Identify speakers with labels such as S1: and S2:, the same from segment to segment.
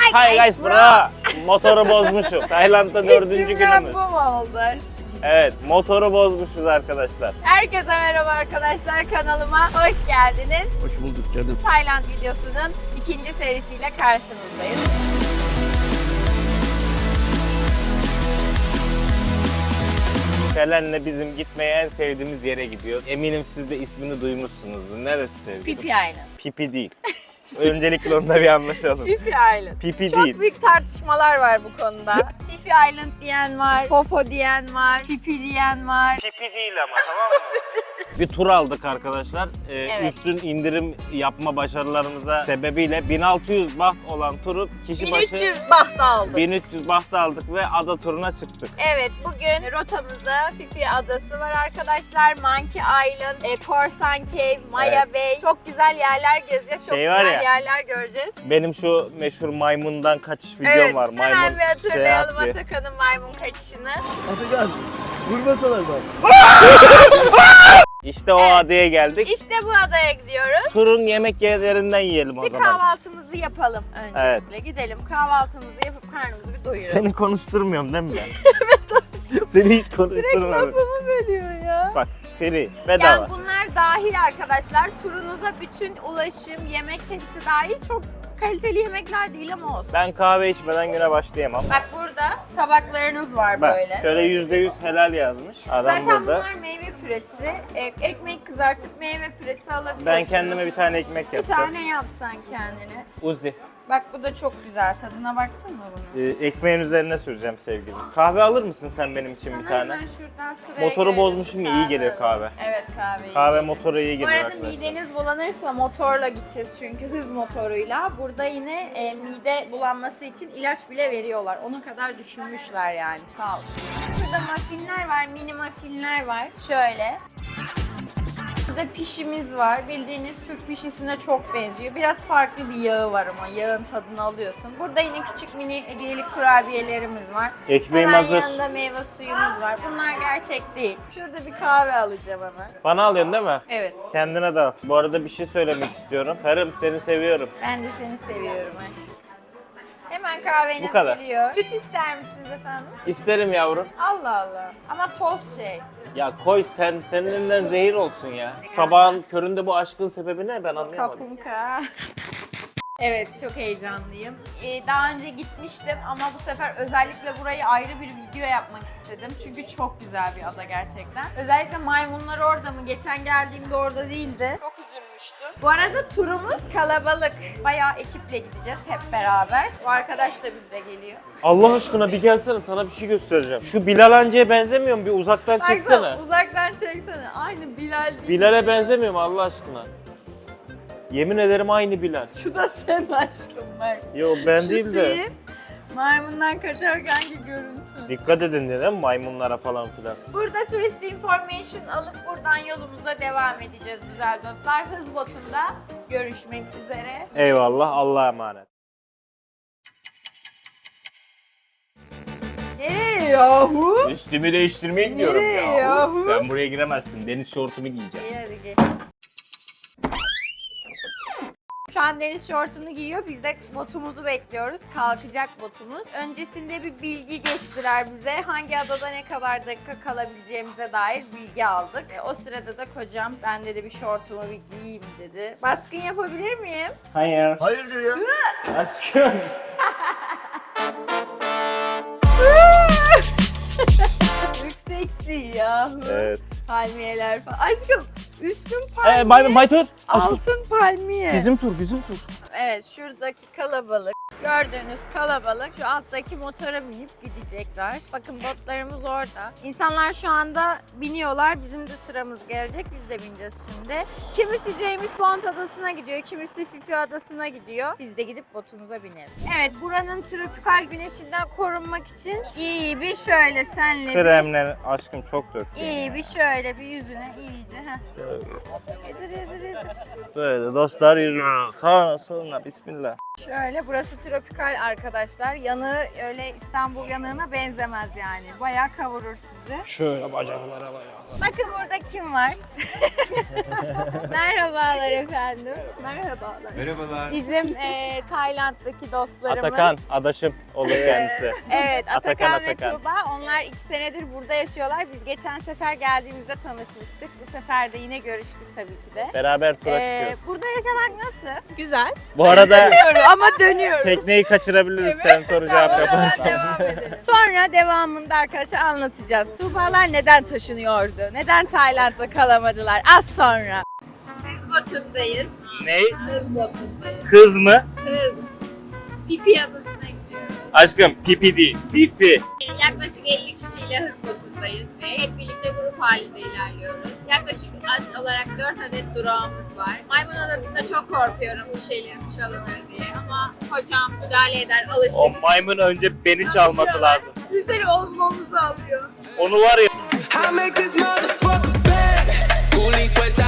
S1: Hi guys bro. Motoru bozmuşum. Tayland'da 4. günümüz.
S2: Bu mu oldu?
S1: Evet, motoru bozmuşuz arkadaşlar.
S2: Herkese merhaba arkadaşlar, kanalıma hoş geldiniz.
S3: Hoş bulduk canım.
S2: Tayland videosunun ikinci serisiyle karşınızdayız.
S1: Selen'le bizim gitmeye en sevdiğimiz yere gidiyor. Eminim siz de ismini duymuşsunuzdur. Neresi sevdiğim?
S2: Phi Phi Island.
S1: Pipi değil. Öncelikle onda bir anlaşalım.
S2: Phi Phi Island.
S1: Pipi
S2: Çok
S1: değil.
S2: büyük tartışmalar var bu konuda. Phi Phi Island diyen var, Fofo diyen var, Pipi diyen var.
S1: Pipi değil ama, tamam mı? Bir tur aldık arkadaşlar.
S2: Evet.
S1: Üstün indirim yapma başarılarımıza sebebiyle 1600 baht olan turu kişi başı
S2: 1300 baht aldık.
S1: 1300 baht aldık ve ada turuna çıktık.
S2: Evet, bugün rotamızda Phi Phi Adası var arkadaşlar. Monkey Island, Korsan Cave, Maya
S1: Evet.
S2: Bay. Çok güzel yerler gezeceğiz. Çok
S1: Şey var
S2: güzel
S1: ya,
S2: yerler göreceğiz.
S1: Benim şu meşhur maymundan kaçış videom
S2: Evet,
S1: var.
S2: hemen
S1: Maymun
S2: bir hatırlayalım
S1: seyahati.
S2: Atakan'ın maymun kaçışını.
S3: Atacağız. Vurmasalar bak.
S1: İşte o
S2: Evet.
S1: adaya geldik.
S2: İşte bu adaya gidiyoruz.
S1: Turun yemek yerlerinden yiyelim o
S2: Bir
S1: zaman.
S2: kahvaltımızı yapalım öncelikle.
S1: Evet.
S2: Gidelim kahvaltımızı yapıp karnımızı bir doyuralım.
S1: Seni konuşturmuyorum değil mi ben? Evet aşkım. Seni hiç konuşturmadım.
S2: Lafımı bölüyor ya.
S1: Bak free, bedava.
S2: Yani bunlar dahil arkadaşlar. Turunuza bütün ulaşım, yemek hepsi dahil. Çok kaliteli yemekler değil ama olsun.
S1: Ben kahve içmeden güne başlayamam.
S2: Bak burada tabaklarınız var
S1: Bak
S2: böyle.
S1: şöyle %100 helal yazmış. Adam
S2: Zaten
S1: burada.
S2: bunlar meyve püresi. Ekmek kızartıp meyve püresi alabiliyorsunuz.
S1: Ben kendime bir tane ekmek
S2: bir
S1: yapacağım.
S2: tane yapsan kendine.
S1: Uzi.
S2: Bak bu da çok güzel. Tadına baktın mı bunun?
S1: Ekmeğin üzerine süreceğim sevgilim. Kahve alır mısın sen benim için bir
S2: Sana
S1: tane?
S2: hemen şuradan sıraya
S1: Motoru
S2: girelim.
S1: bozmuşum ya, iyi geliyor kahve.
S2: Evet kahve iyi
S1: Kahve
S2: geliyor.
S1: motora iyi
S2: Bu
S1: geliyor
S2: arada
S1: arkadaşlar.
S2: mideniz bulanırsa motorla gideceğiz çünkü hız motoruyla. Burada yine mide bulanması için ilaç bile veriyorlar. Ona kadar düşünmüşler yani, sağ ol. Şurada muffinler var, mini muffinler var. Şöyle. Burada pişimiz var. Bildiğiniz Türk pişisine çok benziyor. Biraz farklı bir yağı var ama yağın tadını alıyorsun. Burada yine küçük mini hediyelik kurabiyelerimiz var.
S1: Ekmeğim
S2: Hemen
S1: hazır.
S2: yanında meyve suyumuz var. Bunlar gerçek değil. Şurada bir kahve alacağım hemen.
S1: Bana alıyorsun değil mi?
S2: Evet.
S1: Kendine de al. Bu arada bir şey söylemek istiyorum. Karım seni seviyorum.
S2: Ben de seni seviyorum aşkım. Hemen kahveniz
S1: Bu kadar.
S2: geliyor. Süt ister misiniz efendim?
S1: İsterim yavrum.
S2: Allah Allah. Ama toz şey.
S1: Ya koy senin elinden zehir olsun ya. Sabahın köründe bu aşkın sebebi ne ben anlayamadım.
S2: Kapunka. Evet, çok heyecanlıyım. Daha önce gitmiştim ama bu sefer özellikle burayı ayrı bir video yapmak istedim. Çünkü çok güzel bir ada gerçekten. Özellikle maymunlar orada mı? Geçen geldiğimde orada değildi. Çok üzülmüştüm. Bu arada turumuz kalabalık. Bayağı ekiple gideceğiz hep beraber. Bu arkadaş da bizle geliyor.
S1: Allah aşkına bir gelsene, sana bir şey göstereceğim. Şu Bilal Hancı'ya benzemiyor mu? Bir uzaktan çeksene.
S2: Baksana, uzaktan çeksene. Aynı Bilal değil.
S1: Bilal'e benzemiyor mu Allah aşkına? Yemin ederim aynı Bilal.
S2: Şu da sen aşkım bak.
S1: Yo ben
S2: Şu
S1: değil de.
S2: senin maymundan kaçarkenki görüntü.
S1: Dikkat edin dedim maymunlara falan filan.
S2: Burada turist information alıp buradan yolumuza devam edeceğiz güzel dostlar. Hız botunda görüşmek üzere.
S1: Eyvallah, Allah'a emanet.
S2: Nereye yahu?
S1: Üstümü değiştirmeye gidiyorum
S2: Nereye
S1: ya.
S2: yahu?
S1: Sen buraya giremezsin. Deniz şortumu giyeceğim.
S2: İyi hadi gel. Şu an deniz şortunu giyiyor. Biz de botumuzu bekliyoruz. Kalkacak botumuz. Öncesinde bir bilgi geçtiler bize. Hangi adada ne kadar dakika kalabileceğimize dair bilgi aldık. O sırada da kocam ben dedi bir şortumu bir giyeyim dedi. Baskın yapabilir miyim?
S1: Hayır.
S3: Hayırdır ya?
S1: Aşkım.
S2: Çok seksi yahu.
S1: Evet.
S2: Palmiyeler falan. Aşkım üstün palmiye.
S1: Maytur. Aşkım.
S2: Altın palmiye.
S1: Bizim tur.
S2: Evet, şuradaki kalabalık, gördüğünüz kalabalık şu alttaki motora binip gidecekler. Bakın botlarımız orada. İnsanlar şu anda biniyorlar. Bizim de sıramız gelecek. Biz de bineceğiz şimdi. Kimisi James Bond adasına gidiyor, kimisi Phi Phi adasına gidiyor. Biz de gidip botumuza binelim. Evet, buranın tropikal güneşinden korunmak için iyi bir şöyle senle
S1: Kremler aşkım çok döktü.
S2: iyi bir şöyle bir yüzüne iyice. Heh. Yedir.
S1: Böyle dostlar yürüyor. Sağına soluna bismillah.
S2: Şöyle burası tropikal arkadaşlar. Yanığı öyle İstanbul yanığına benzemez yani. Bayağı kavurur sizi.
S1: Şöyle bacaklara bayağı.
S2: Bakın burada kim var? Merhabalar efendim.
S4: Merhabalar.
S2: Bizim Tayland'daki dostlarımız.
S1: Atakan, adaşım olur kendisi.
S2: Evet, Atakan ve
S1: Atakan.
S2: Tuğba. Onlar 2 senedir burada yaşıyorlar. Biz geçen sefer geldiğimizde tanışmıştık. Bu sefer de yine görüştük tabii ki de.
S1: Beraber tura çıkıyoruz.
S2: Burada yaşamak nasıl? Güzel.
S1: Bu arada
S2: Ama dönüyoruz.
S1: tekneyi kaçırabiliriz sen soru cevap yaparsan.
S2: Devam edelim. Sonra devamında arkadaşlar anlatacağız. Tuğbalar neden taşınıyordu? Neden Tayland'da kalamadılar? Az sonra. Biz Batum'dayız.
S1: Ne?
S2: Kız Batum'dayız.
S1: Kız mı?
S2: Kız. Pipi adasına gidiyoruz.
S1: Aşkım pipi değil, fifi.
S2: Yaklaşık 50 kişiyle Hız Batum'dayız ve hep birlikte grup halinde ilerliyoruz. Yaklaşık olarak 4 adet durağımız var. Maymun Adası'nda çok korkuyorum bir şeylerim çalınır diye ama hocam müdahale eder, alışır.
S1: O maymun önce beni çalması lazım.
S2: Bizleri ozmamızı alıyor.
S1: Onu var ya.
S4: I make this motherfucker bad. Coolie suelta,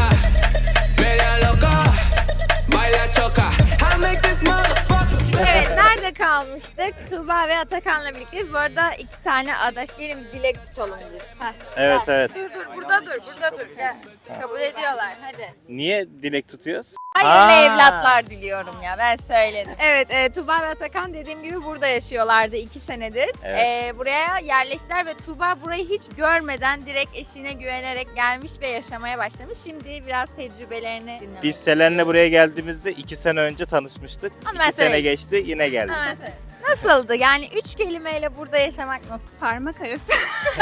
S4: media loca, baila choca. I make this motherfucker bad.
S2: Evet, nerede kalmıştık? Tuğba ve Atakan'la birlikteyiz. Bu arada 2 tane adaş. Gelin bir dilek tutalım biz. Heh.
S1: Evet
S2: Gel.
S1: evet.
S2: Dur, burada dur. Gel. Kabul ediyorlar, hadi.
S1: Niye dilek tutuyoruz?
S2: Hayırlı
S1: Aa.
S2: evlatlar diliyorum ya, ben söyledim. Evet, Tuğba ve Atakan dediğim gibi burada yaşıyorlardı 2 senedir.
S1: Evet.
S2: Buraya yerleştiler ve Tuğba burayı hiç görmeden direkt eşine güvenerek gelmiş ve yaşamaya başlamış. Şimdi biraz tecrübelerini dinlemek.
S1: Biz Selen'le buraya geldiğimizde 2 sene önce tanışmıştık.
S2: Onu ben
S1: 2 sene
S2: söyleyeyim.
S1: geçti yine geldik.
S2: Hemen söyle. Nasıldı? Yani 3 kelimeyle burada yaşamak nasıl? Parmak arası.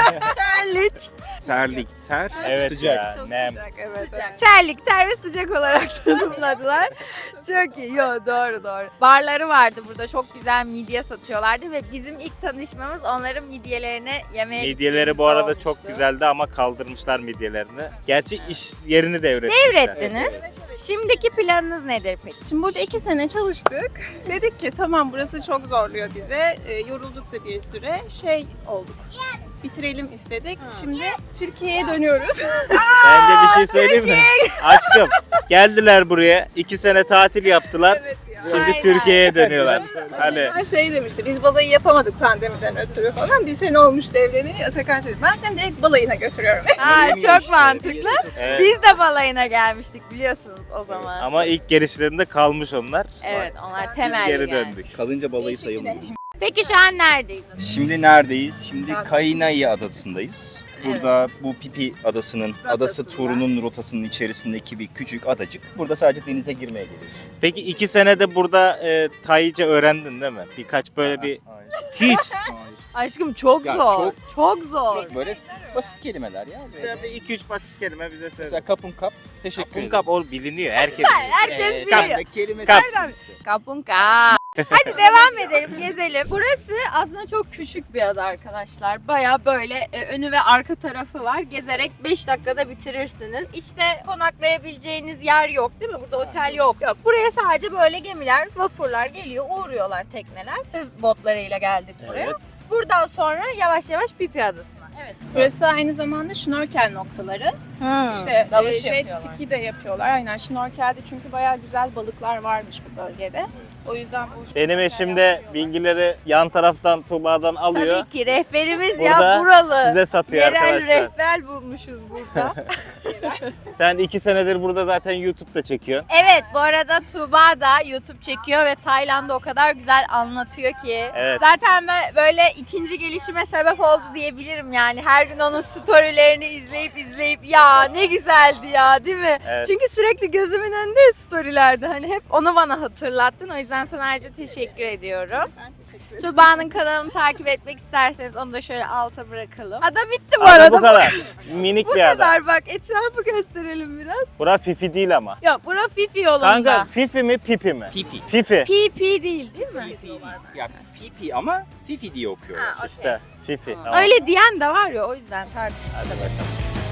S2: Terlik.
S5: Terlik, ter,
S1: Evet
S5: sıcak.
S1: ya,
S2: Çok
S1: nem.
S2: sıcak, evet. Terlik, ter ve sıcak olarak tanımladılar. Çok iyi. Yo, doğru. Barları vardı burada. Çok güzel midye satıyorlardı ve bizim ilk tanışmamız onların midyelerini yemeye
S1: Midyeleri bu arada
S2: olmuştu.
S1: çok güzeldi ama kaldırmışlar midyelerini. Gerçi iş yerini devretmişler.
S2: Devrettiniz. Şimdiki planınız nedir peki?
S6: Şimdi burada 2 sene çalıştık. Dedik ki tamam burası çok zorluyor bize. Yorulduk da bir süre. Olduk. Bitirelim istedik. Şimdi Türkiye'ye dönüyoruz.
S1: Bence bir şey söyleyeyim mi? Aşkım geldiler buraya 2 sene tatil yaptılar.
S6: Evet ya.
S1: Şimdi
S2: Aynen.
S1: Türkiye'ye dönüyorlar. Hani
S6: Ben demişti, biz balayı yapamadık pandemiden ötürü falan. Bir sene olmuştu evleneli. Atakan dedi, ben seni direkt balayına götürüyorum.
S2: Aa, çok mantıklı.
S1: evet.
S2: Biz de balayına gelmiştik biliyorsunuz o zaman.
S1: Ama ilk gelişlerinde kalmış onlar.
S2: Evet, onlar
S1: Biz
S2: temel
S1: geri
S2: yani.
S1: döndük.
S5: Kalınca balayı sayılmıyor.
S2: Peki şu an neredeydin?
S5: Şimdi neredeyiz? Şimdi Kainai Adası'ndayız. Burada bu Pipi Adası'nın, adası turunun rotasının içerisindeki bir küçük adacık. Burada sadece denize girmeye geliyoruz.
S1: Peki 2 senede burada Tayce öğrendin değil mi? Birkaç böyle bir... Hiç.
S2: Aşkım çok
S5: Ya
S2: zor. Çok zor.
S5: Çok böyle basit kelimeler ya. Böyle.
S1: Bir 2-3 basit kelime bize söyle.
S5: Mesela kapun kap, teşekkür ederim.
S1: Kunkap o biliniyor herkes.
S2: Herkes biliyor.
S5: Kap kelimesi.
S1: Kap.
S2: Kapunka. Hadi devam edelim, gezelim. Burası aslında çok küçük bir ada arkadaşlar. Baya böyle önü ve arka tarafı var. Gezerek 5 dakikada bitirirsiniz. İşte konaklayabileceğiniz yer yok değil mi? Burada otel yok. Buraya sadece böyle gemiler, vapurlar geliyor, uğruyorlar tekneler. Hız botlarıyla geldik buraya.
S1: Evet.
S2: Buradan sonra yavaş yavaş Pipi Adası'na. Evet.
S6: Burası aynı zamanda şnorkel noktaları. İşte
S2: dalış
S6: jet
S2: yapıyorlar.
S6: ski de yapıyorlar. Aynen şnorkelde çünkü bayağı güzel balıklar varmış bu bölgede. O yüzden bu
S1: Benim eşim de bilgileri yan taraftan Tuğba'dan alıyor.
S2: Tabii ki rehberimiz
S1: Burada
S2: ya buralı.
S1: Size satıyor
S2: Yerel
S1: arkadaşlar.
S2: rehber bulmuşuz burada.
S1: Sen 2 senedir burada zaten YouTube'da çekiyorsun.
S2: Evet, bu arada Tuğba da YouTube çekiyor ve Tayland'ı o kadar güzel anlatıyor ki.
S1: Evet.
S2: Zaten ben böyle ikinci gelişime sebep oldu diyebilirim yani. Her gün onun storylerini izleyip ya ne güzeldi ya değil mi?
S1: Evet.
S2: Çünkü sürekli gözümün önünde storylerde hani hep onu bana hatırlattın. O yüzden sana ayrıca teşekkür ediyorum. Tuğba'nın kanalını takip etmek isterseniz onu da şöyle alta bırakalım. Ada bitti bu
S1: Ada
S2: arada.
S1: bu kadar. Minik
S2: Bu
S1: bir ada.
S2: kadar bak, etrafı gösterelim biraz.
S1: Bura Fifi değil ama.
S2: Yok, bura Fifi yolunda.
S1: Kanka Fifi mi Pipi mi?
S5: Fifi.
S1: Fifi.
S2: PP değil mi?
S5: Ya Pipi ama Fifi diye okuyorlar.
S2: Ha, okey.
S1: İşte Fifi. Tamam.
S2: Öyle diyen de var ya, o yüzden tartıştık.
S1: Hadi bakalım.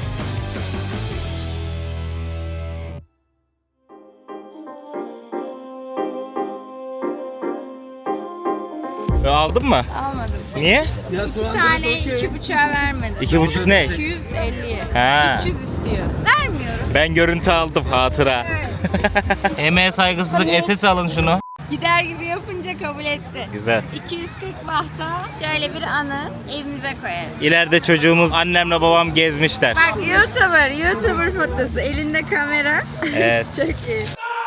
S1: Aldın mı?
S2: Almadım.
S1: Niye?
S2: Bir tane 2,5'a vermedim.
S1: 2,5 ne?
S2: 250'ye.
S1: Ha.
S2: 300 istiyor. Vermiyorum.
S1: Ben görüntü aldım hatıra. Emeğe saygısızlık SS alın şunu.
S2: Gider gibi yapınca Mahir kabul etti.
S1: Güzel.
S2: 240 bahta şöyle bir anı evimize koyarız.
S1: İleride çocuğumuz annemle babam gezmişler.
S2: Bak YouTuber fotosu. Elinde kamera.
S1: Evet.
S2: Çok iyi.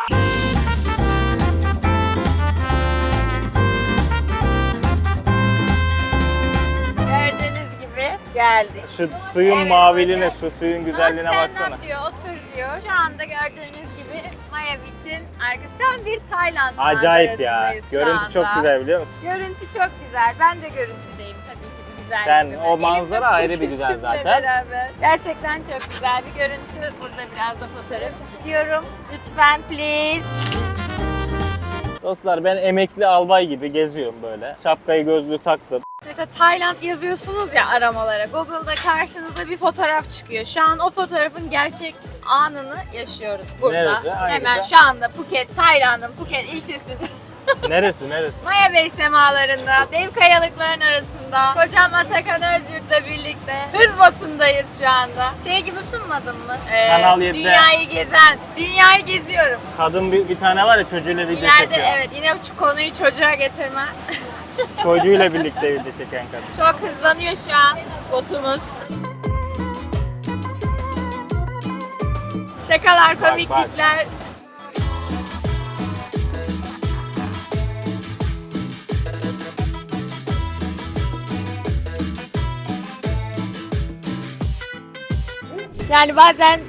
S2: Gördüğünüz gibi geldik.
S1: Şu suyun
S2: Evet,
S1: maviliğine,
S2: böyle.
S1: şu suyun güzelliğine
S2: Stand
S1: baksana.
S2: up diyor, otur diyor. Şu anda gördüğünüz gibi Maya Beach'in arkasından bir Tayland
S1: Acayip ya.
S2: manzarasındayız şu
S1: Görüntü çok
S2: anda.
S1: güzel biliyor musun?
S2: Görüntü çok güzel. Ben de görüntüdeyim tabii ki bu güzel.
S1: Sen, o manzara ayrı bir güzel zaten.
S2: Beraber. Gerçekten çok güzel bir görüntü. Burada biraz da fotoğraf istiyorum. Lütfen please.
S1: Dostlar ben emekli albay gibi geziyorum böyle. Şapkayı gözlüğü taktım.
S2: Mesela Tayland yazıyorsunuz ya aramalara. Google'da karşınıza bir fotoğraf çıkıyor. Şu an o fotoğrafın gerçek anını yaşıyoruz burada.
S1: Neresi? Hangisi?
S2: Hemen şu anda Phuket, Tayland'ın Phuket ilçesinde.
S1: Neresi?
S2: Maya Bey semalarında, dev kayalıkların arasında, kocam Atakan Özyurt'la birlikte hız botundayız şu anda. Şey gibi sunmadım mı?
S1: Kanal 7'de.
S2: Dünyayı geziyorum.
S1: Kadın bir tane var ya çocuğuyla video
S2: İleride
S1: çekiyor.
S2: evet yine şu konuyu çocuğa getirme.
S1: Çocuğuyla birlikte video çeken kadın.
S2: Çok hızlanıyor şu an botumuz. Şakalar, komiklikler. Yani bazen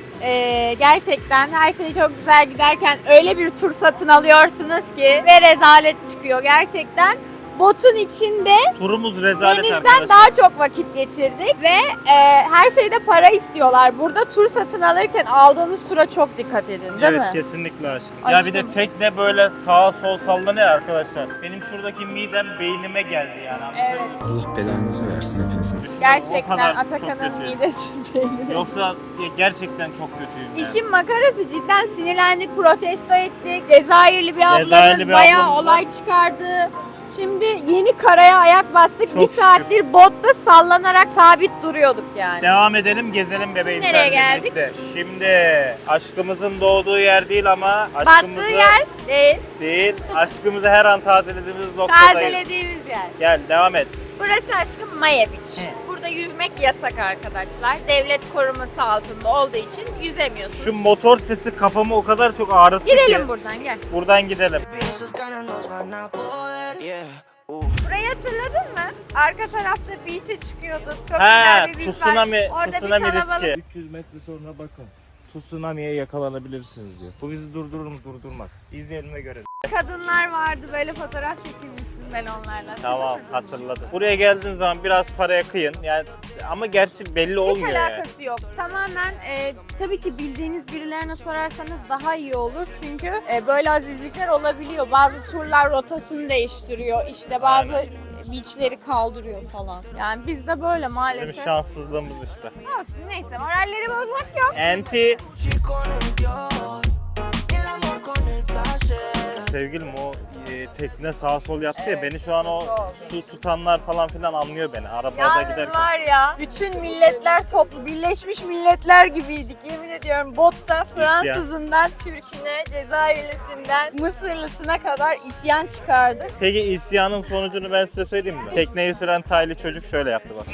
S2: gerçekten her şey çok güzel giderken öyle bir tur satın alıyorsunuz ki ve rezalet çıkıyor gerçekten. Botun içinde
S1: Turumuz rezalet
S2: denizden
S1: arkadaşlar.
S2: daha çok vakit geçirdik ve her şeyde para istiyorlar. Burada tur satın alırken aldığınız tura çok dikkat edin değil
S1: Evet
S2: mi?
S1: kesinlikle aşkım.
S2: Aşkım.
S1: Ya bir de tekne böyle sağa sol sallanıyor arkadaşlar. Benim şuradaki midem beynime geldi yani.
S2: Evet.
S7: Allah belanızı versin hepinizin.
S1: Düşünün, o
S2: Gerçekten
S1: kadar
S2: Atakan'ın
S1: çok kötü.
S2: midesi beynine.
S1: Yoksa gerçekten çok kötüyüm yani.
S2: İşin makarası cidden sinirlendik, protesto ettik. Cezayirli bir ablamız
S1: Cezayirli bir
S2: bayağı
S1: ablamız var.
S2: olay çıkardı. Şimdi yeni karaya ayak bastık.
S1: Çok
S2: bir saattir botta sallanarak sabit duruyorduk yani.
S1: Devam edelim gezelim bebeğim.
S2: Şimdi nereye
S1: seninle
S2: geldik?
S1: birlikte. Şimdi aşkımızın doğduğu yer değil ama
S2: Battığı
S1: aşkımızı
S2: yer değil,
S1: değil. Aşkımızı her an tazelediğimiz noktadayız.
S2: tazelediğimiz yer.
S1: Gel devam et.
S2: Burası aşkım Maya Beach. Burada yüzmek yasak arkadaşlar. Devlet koruması altında olduğu için yüzemiyorsunuz.
S1: Şu motor sesi kafamı o kadar çok ağrıttı ki.
S2: Gidelim buradan gel.
S1: Buradan gidelim.
S4: Esos ganas nos van a poder. Yeah.
S2: Burayı hatırladın mı? Arka tarafta beach'e çıkıyorduk. Çok
S1: He,
S2: güzel bir beach
S1: tsunami,
S2: var. Orada
S1: tsunami
S2: bir kalabalık.
S1: riski.
S3: 300 metre sonra bakın.
S1: Tsunami'ye yakalanabilirsiniz diyor. Bu bizi durdurur mu durdurmaz. İzleyelim ve görelim.
S2: Kadınlar vardı böyle fotoğraf çekilmiştim ben onlarla.
S1: Tamam
S2: Hatırladın mı?
S1: hatırladım. Buraya geldiğin zaman biraz paraya kıyın. Yani ama gerçi belli
S2: Hiç
S1: olmuyor yani.
S2: alakası yok. Tamamen tabii ki bildiğiniz birilerine sorarsanız daha iyi olur. Çünkü böyle azizlikler olabiliyor. Bazı turlar rotasını değiştiriyor. İşte bazı beachleri kaldırıyor falan. Yani bizde böyle
S1: Bizim
S2: maalesef.
S1: şanssızlığımız işte.
S2: Olsun neyse moralleri bozmak yok.
S1: Enti.
S4: Chi con el Dios. El amor con el placer.
S1: Sevgilim o tekne sağ sol yaptı ya
S2: Evet,
S1: beni şu an o
S2: çok.
S1: su tutanlar falan filan anlıyor beni. Arabada
S2: Yalnız
S1: giderken.
S2: var ya bütün milletler toplu Birleşmiş Milletler gibiydik yemin ediyorum botta Fransızından Türk'üne, Cezayirlisinden Mısırlısına kadar isyan çıkardık.
S1: Peki isyanın sonucunu ben size söyleyeyim mi? Tekneyi süren Taylı çocuk şöyle yaptı bak.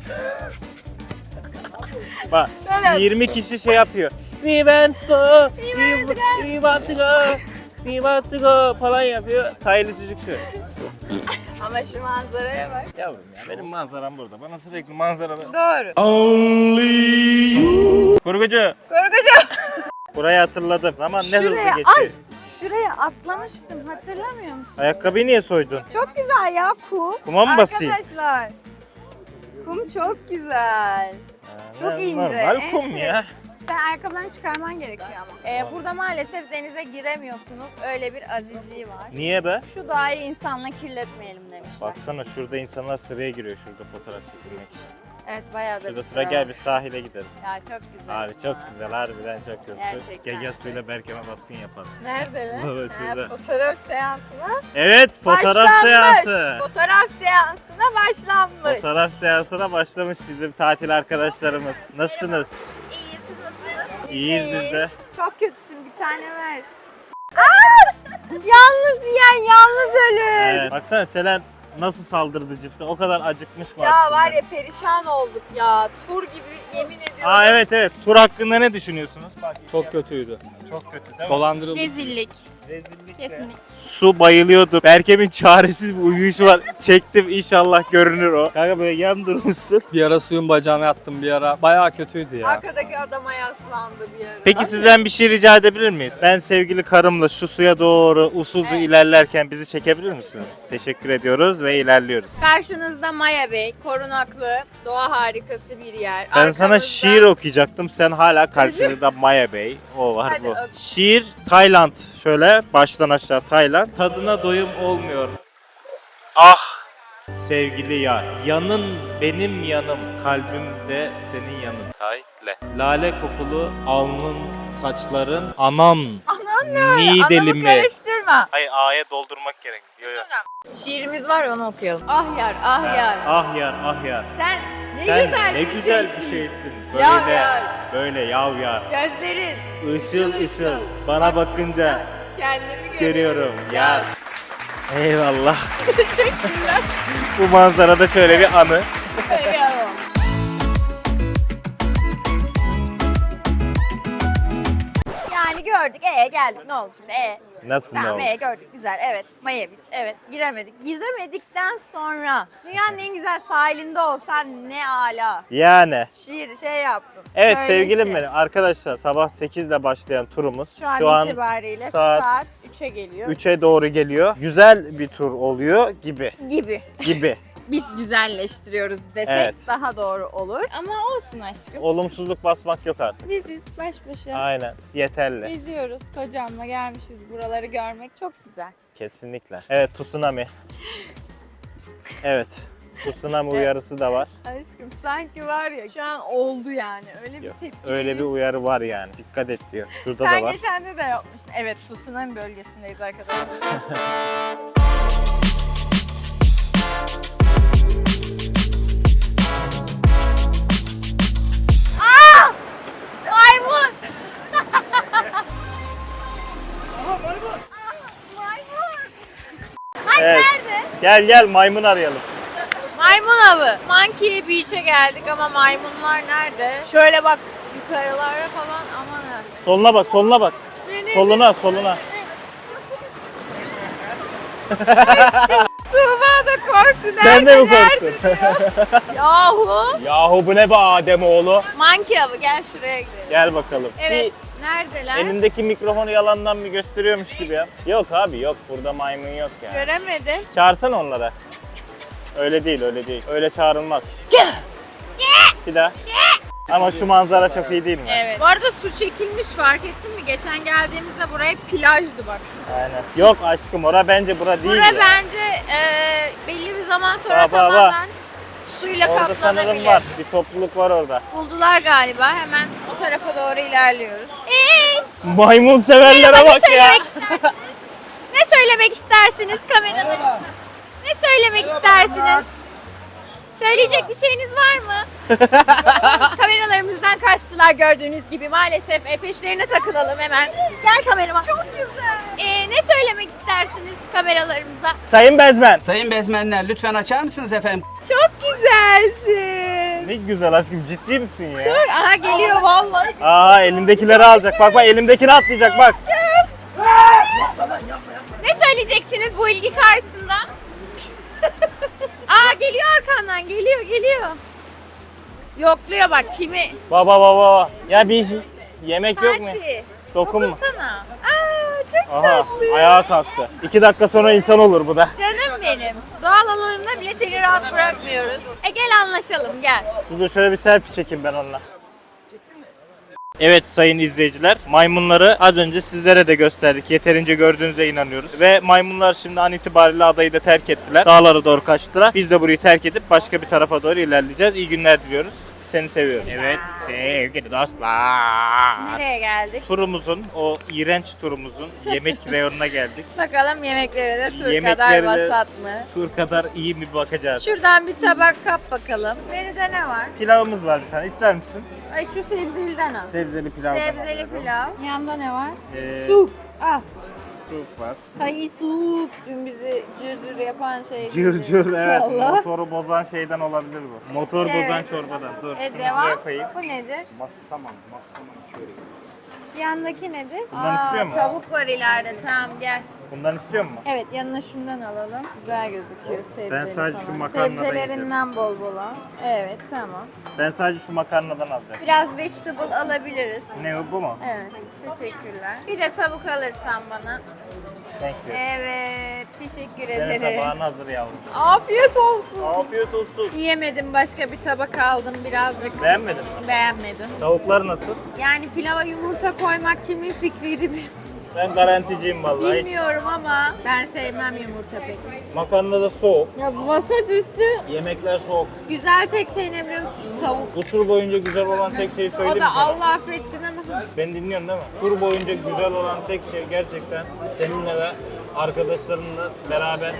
S1: Bak
S2: Böyle
S1: 20 kişi şey yapıyor. We want to go, we want to go, we want to go falan yapıyor. Taylı çocuk şöyle.
S2: ama şu manzaraya bak.
S1: Yavrum ya benim manzaram burada. Bana sürekli manzaralı.
S2: Doğru.
S1: Kurgucu.
S2: Korkucu.
S1: Burayı hatırladım. Zaman ne hızlı
S2: Şuraya,
S1: geçiyor.
S2: ay şuraya atlamıştım hatırlamıyor musun?
S1: Ayakkabıyı niye soydun?
S2: Çok güzel ya kum.
S1: Kuma mı basayım?
S2: Arkadaşlar. Kum çok güzel. Çok
S1: Ha,
S2: ince,
S1: Normal
S2: en
S1: kum
S2: sevdiğim.
S1: ya.
S2: Sen ayakkabılarını çıkarman gerekiyor ama. Burada maalesef denize giremiyorsunuz. Öyle bir azizliği var.
S1: Niye be?
S2: Şu doğayı insanla kirletmeyelim demişler.
S1: Baksana şurada insanlar sıraya giriyor şurada fotoğraf çekilmek için.
S2: Evet bayağı da
S1: Şurada
S2: bir
S1: sıra
S2: var.
S1: gel bir sahile gidelim.
S2: Ya çok güzel.
S1: Abi çok güzel harbiden çok güzel.
S2: Gerçekten.
S1: Gege suyla Berkem'e baskın yapalım.
S2: Nerede lan?
S1: Baba,
S2: Ha,
S1: şurada.
S2: fotoğraf seansına
S1: Evet fotoğraf
S2: başlanmış.
S1: seansı.
S2: Fotoğraf seansına başlanmış.
S1: Fotoğraf seansına başlamış bizim tatil arkadaşlarımız. Nasılsınız?
S2: İyi siz nasılsınız?
S1: İyiyiz biz de.
S2: Çok kötüsün bir tane ver. Yalnız yiyen yalnız ölür.
S1: Evet. Baksana Selen nasıl saldırdı cipse. O kadar acıkmış mı?
S2: Ya
S1: aslında?
S2: var ya perişan olduk ya. Tur gibi yemin ediyorum.
S1: Aa evet. Tur hakkında ne düşünüyorsunuz? Bak,
S8: Çok kötüydü.
S1: çok kötü değil mi?
S8: Dolandırıldık.
S2: Rezillik.
S1: Rezillik de.
S2: Kesinlikle.
S1: Su bayılıyordu. Berkem'in çaresiz bir uyuyuşu var. Çektim inşallah görünür o. Kanka böyle yan durmuşsun.
S8: Bir ara suyun bacağına yattım bir ara. Bayağı kötüydü ya.
S2: Arkadaki adama yaslandı bir ara.
S1: Peki sizden bir şey rica edebilir miyiz? Ben sevgili karımla şu suya doğru usulca ilerlerken bizi çekebilir misiniz? Teşekkür ediyoruz ve ilerliyoruz.
S2: Karşınızda Maya Bey, korunaklı, doğa harikası bir yer.
S1: Ben sana
S2: Arkamızda-
S1: şiir okuyacaktım. Sen hala karşında Maya Bey. O var
S2: Hadi
S1: bu.
S2: oku.
S1: Şiir Tayland. Şöyle baştan aşağı Tayland. Tadına doyum olmuyor. Ah sevgili yar. Yanın benim yanım. Kalbimde senin yanın. Tayle. Lale kokulu alnın saçların. Anan.
S2: Anan ne?
S1: Nidelimi.
S2: Anamı karıştırma.
S1: Hayır A'ya doldurmak gerek. Yo, yo.
S2: Şiirimiz var ya, onu okuyalım. Ah yar, ah yar.
S1: Ah yar ah yar.
S2: Sen ne
S1: Sen
S2: güzel
S1: ne
S2: bir
S1: güzel
S2: şeysin.
S1: bir şeysin.
S2: Yav
S1: Böyle
S2: yar.
S1: böyle yav yar.
S2: Gözlerin.
S1: Işıl
S2: Işıl
S1: ışıl.
S2: ışıl.
S1: Bana bakınca
S2: Kendimi
S1: görüyorum. Yar. Eyvallah. Bu manzarada şöyle bir anı.
S2: Görüyorum. Yani gördük, geldik. Ne oldu şimdi?
S1: Nasıl ne
S2: Tamam,
S1: oldu?
S2: gördük. Güzel. Evet. Mayeviç. Evet. Giremedik. Giremedikten sonra dünyanın en güzel sahilinde olsan ne ala.
S1: Yani.
S2: Şiir şey yaptın.
S1: Evet
S2: Böyle
S1: sevgilim
S2: şey.
S1: benim. Arkadaşlar sabah 8'de başlayan turumuz.
S2: Şu an itibariyle
S1: saat
S2: saat 3'e geliyor.
S1: 3'e doğru geliyor. Güzel bir tur oluyor gibi.
S2: Gibi.
S1: Gibi.
S2: Biz güzelleştiriyoruz desek
S1: Evet.
S2: daha doğru olur. Ama olsun aşkım.
S1: Olumsuzluk basmak yok artık.
S2: Biziz baş başa.
S1: Aynen. Yeterli.
S2: Geziyoruz. Kocamla gelmişiz buraları görmek çok güzel.
S1: Kesinlikle. Evet tsunami. Evet. Tsunami uyarısı da var.
S2: Aşkım sanki var ya şu an oldu yani. Öyle bir
S1: Yok,
S2: tepki.
S1: öyle bir uyarı var yani. Dikkat et diyor. Şurada
S2: Sen
S1: da var.
S2: geçen de yapmıştın. Evet, tsunami bölgesindeyiz arkadaşlar. Aa! Maymun! Maymun! Ay
S1: Evet.
S2: nerede?
S1: Gel gel maymun arayalım.
S2: Maymun avı. Monkey Beach'e geldik ama maymunlar nerede? Şöyle bak yukarılara falan, aman ha.
S1: Soluna bak, soluna bak. Soluna, soluna.
S2: Tuğba da korktu.
S1: Sen de mi
S2: Nerede?
S1: korktun?
S2: Yahu.
S1: Yahu bu ne be Ademoğlu?
S2: Monkey avı, gel şuraya gidelim.
S1: Gel bakalım.
S2: Evet. Neredeler?
S1: Bir elindeki mikrofonu yalandan bir gösteriyormuş gibi ya. Yok abi yok. Burada maymun yok ya.
S2: Göremedim.
S1: Çağırsana onlara. Öyle değil, öyle değil. Öyle çağrılmaz. Bir daha. Ama şu manzara çok iyi değil mi?
S2: Evet. Bu arada su çekilmiş, fark ettin mi? Geçen geldiğimizde buraya plajdı bak.
S1: Aynen. Yok aşkım ora bence bura değil
S2: Bura
S1: ya.
S2: bence bir zaman sonra
S1: Bak, bak, bak.
S2: tamamen suyla
S1: Orada sanırım
S2: kaplanabilir.
S1: var. Bir topluluk var orada.
S2: Buldular galiba. Hemen o tarafa doğru ilerliyoruz.
S1: Maymun severlere
S2: Merhaba,
S1: bak ya.
S2: Ne söylemek istersiniz kameralarınızda? Ne söylemek istersiniz? Söyleyecek bir şeyiniz var mı? Kameralarımızdan kaçtılar gördüğünüz gibi. Maalesef peşlerine takılalım hemen. Gel kameraman. Çok güzel. Ne söylemek istersiniz kameralarımıza?
S1: Sayın Bezmen.
S9: Sayın bezmenler lütfen açar mısınız efendim?
S2: Çok güzelsin.
S1: Ne güzel aşkım ciddi misin ya?
S2: Çok, aha geliyor vallahi.
S1: Aa elimdekileri alacak. Bak bak elimdekini atlayacak bak.
S2: Ne söyleyeceksiniz bu ilgi karşısında? Aa geliyor arkandan, geliyor. Yokluyor bak kimi?
S1: Baba baba. Ya bir yemek yok mu?
S2: Fatih.
S1: Dokunma.
S2: Dokunsana. Aa çok
S1: Aha
S2: tatlı.
S1: ayağa kalktı. 2 dakika sonra insan olur bu da.
S2: Canım benim. Doğal alanında bile seni rahat bırakmıyoruz. Gel anlaşalım gel.
S1: Dur şöyle bir selfie çekeyim ben onunla. Evet sayın izleyiciler, maymunları az önce sizlere de gösterdik. Yeterince gördüğünüze inanıyoruz. Ve maymunlar şimdi an itibariyle adayı da terk ettiler. Dağlara doğru kaçtılar. Biz de burayı terk edip başka bir tarafa doğru ilerleyeceğiz. İyi günler diliyoruz. Seni seviyorum. Evet sevgili dostlar.
S2: Nereye geldik?
S1: Turumuzun, o iğrenç turumuzun yemek reyonuna geldik.
S2: Bakalım yemekleri de tur
S1: Yemekleri
S2: kadar
S1: de-
S2: vasat mı?
S1: Tur kadar iyi mi bakacağız.
S2: Şuradan bir tabak kap bakalım. Menüde ne var?
S1: Pilavımız var bir tane. İster misin?
S2: Ay şu sebzeliden al.
S1: Sebzeli pilavdan
S2: Sebzeli
S1: alıyorum.
S2: pilav. Yanında ne var?
S1: Ee,
S2: Sup. Al.
S1: soup var.
S2: Thai soup. Dün bizi cırcır yapan şey.
S1: Cır cır evet.
S2: İnşallah.
S1: Motoru bozan şeyden olabilir bu. Motor
S2: Evet.
S1: bozan çorbadan. Dur. şunu
S2: Devam.
S1: buraya koyayım.
S2: Bu nedir?
S5: Massaman köri.
S2: Yandaki nedir?
S1: Bundan istiyor mu?
S2: Tavuk var ileride. Tamam gel.
S1: Bundan istiyor musun?
S2: Evet yanına şundan alalım. Güzel gözüküyor sebzeli
S1: Ben sadece
S2: falan.
S1: şu makarnadan
S2: Sebzelerinden bol bol al. Evet tamam.
S1: Ben sadece şu makarnadan alacağım.
S2: Biraz vegetable alabiliriz.
S1: Ne bu mu?
S2: Evet teşekkürler. Bir de tavuk alırsan bana.
S1: Thank you.
S2: Evet teşekkür
S1: Senin
S2: ederim.
S1: tabağın hazır yavrum.
S2: Afiyet olsun.
S1: Afiyet olsun.
S2: Yiyemedim başka bir tabak aldım birazcık.
S1: Beğenmedin mi?
S2: Beğenmedim.
S1: Tavuklar nasıl?
S2: Yani pilava yumurta koymak kimin fikriydi bilmiyorum.
S1: Ben garanticiyim vallahi. Hiç.
S2: Bilmiyorum ama ben sevmem yumurta pek.
S1: Makarna da soğuk.
S2: Ya bu vasat üstü.
S1: Yemekler soğuk.
S2: Güzel tek şey ne biliyor musun? Şu tavuk.
S1: Bu tur boyunca güzel olan tek şeyi
S2: O
S1: söyleyeyim
S2: da
S1: mi sana?
S2: Allah affetsin ama.
S1: Ben dinliyorum değil mi? Tur boyunca güzel olan tek şey gerçekten seninle ve arkadaşlarınla beraber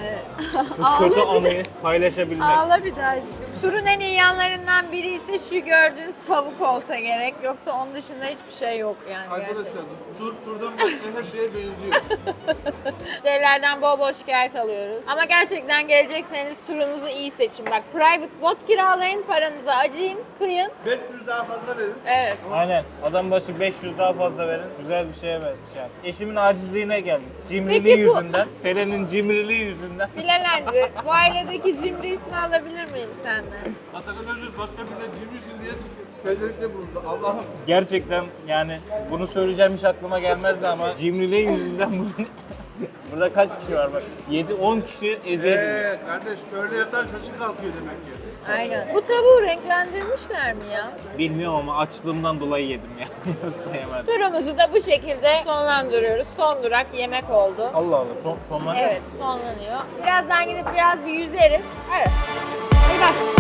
S1: bu kötü anıyı paylaşabilmek.
S2: Ağla bir daha aşkım. Turun en iyi yanlarından biri ise şu gördüğünüz tavuk olsa gerek. Yoksa onun dışında hiçbir şey yok yani.
S3: Arkadaşlar turdan başka her şeye benziyor.
S2: Müşterilerden bol bol şikayet alıyoruz. Ama gerçekten gelecekseniz turunuzu iyi seçin. Bak private bot kiralayın, paranızı acıyın, kıyın.
S3: 500 daha fazla verin.
S2: Evet.
S1: Aynen. Adam başı 500 daha fazla verin. Güzel bir şeye ver. Şey yap. Eşimin acizliğine geldim. Cimriliği
S2: Peki bu-
S1: yüzünden. Selen'in cimriliği yüzünden.
S2: Bilal Hancı, bu ailedeki cimri ismi alabilir miyim senden?
S3: Atakan Özür başka birine cimrisin diye tezerlikte bulundu. Allah'ım.
S1: Gerçekten yani bunu söyleyeceğim hiç aklıma gelmezdi ama cimriliği yüzünden bu... Burada kaç kişi var bak? 7-10 kişi eziyet ediyor.
S3: Kardeş böyle yatan şaşı kalkıyor demek ki.
S2: Aynen. Bu tavuğu renklendirmişler mi ya?
S1: Bilmiyorum ama açlığımdan dolayı yedim ya. Yoksa yemedim.
S2: Turumuzu da bu şekilde sonlandırıyoruz. Son durak yemek oldu.
S1: Allah Allah sonlanıyor.
S2: Evet, sonlanıyor. Birazdan gidip biraz bir yüzeriz. Evet. Hadi bak.